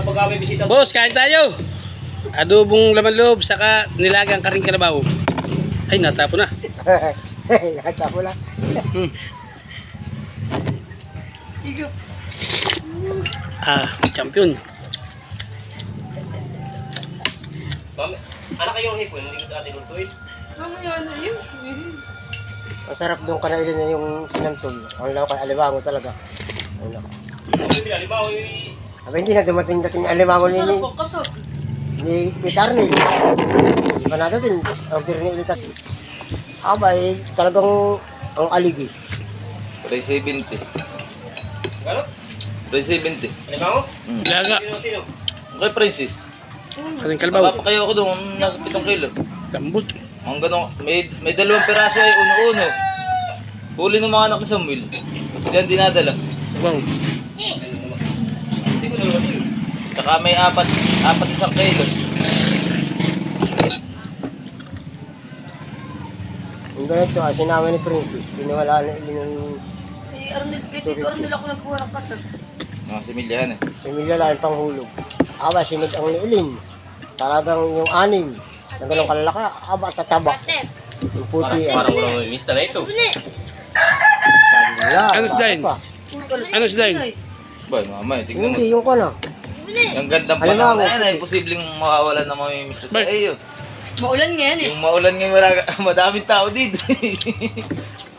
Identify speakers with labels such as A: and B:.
A: pag may bisita.
B: Boss, kain tayo. Adobong laman loob, saka nilagang karing kalabaw. Ay, natapo na.
C: Natapo na.
B: Champion.
A: Mami, anak kayo ang hipon, hindi ko atin lutuin.
D: Mamaya na yun.
C: Masarap doon kanailin na yung sinantol. Ang law kay alimango talaga. Ano?
A: Sabi nila, limaw yung...
C: Aba hindi na dumating alimango
D: Masarap po, kasot.
C: ni Tarnil. Hindi pa natin order ni Ilitat. Abay, talagang ang aligi.
E: 370.
A: Gano'n?
E: 370.
A: Limaw?
B: Nilaga.
A: Sino?
E: Okay, prices.
B: Karing kalabaw.
E: Mapapakayo ako doon, nasa 7 kilo.
B: Lambot.
E: Ang ganun, may 2 piraso ay uno-uno. Huli ng mga anak ni Samuel. Diyan dinadala.
B: Wow.
A: Hindi ko dalawa yun.
E: Saka may 4 isang kilo.
C: Yung ganito, sinama ni Princess. Pinawala na yung
D: Tito Arnel ako nagkuha ng kasot.
E: Mga similyahan eh.
C: pamilya lang yung panghulog. Aba, sinag ang niilin. Talagang yung anim. Na ganun kalalaka, aba, tataba. Yung puti.
A: Parang walang mista na ito.
C: Sabi nila.
B: Ano dyan?
C: pa.
B: Ano si Zayn?
E: Ba, mamay, tignan mo.
C: Hindi, yung ko na.
E: Yung gandang
C: Halimbawa,
E: panahon na yan ay posibleng makawalan ng mga mista sa iyo.
D: Maulan ngayon eh.
E: Yung maulan ngayon, madaming tao dito.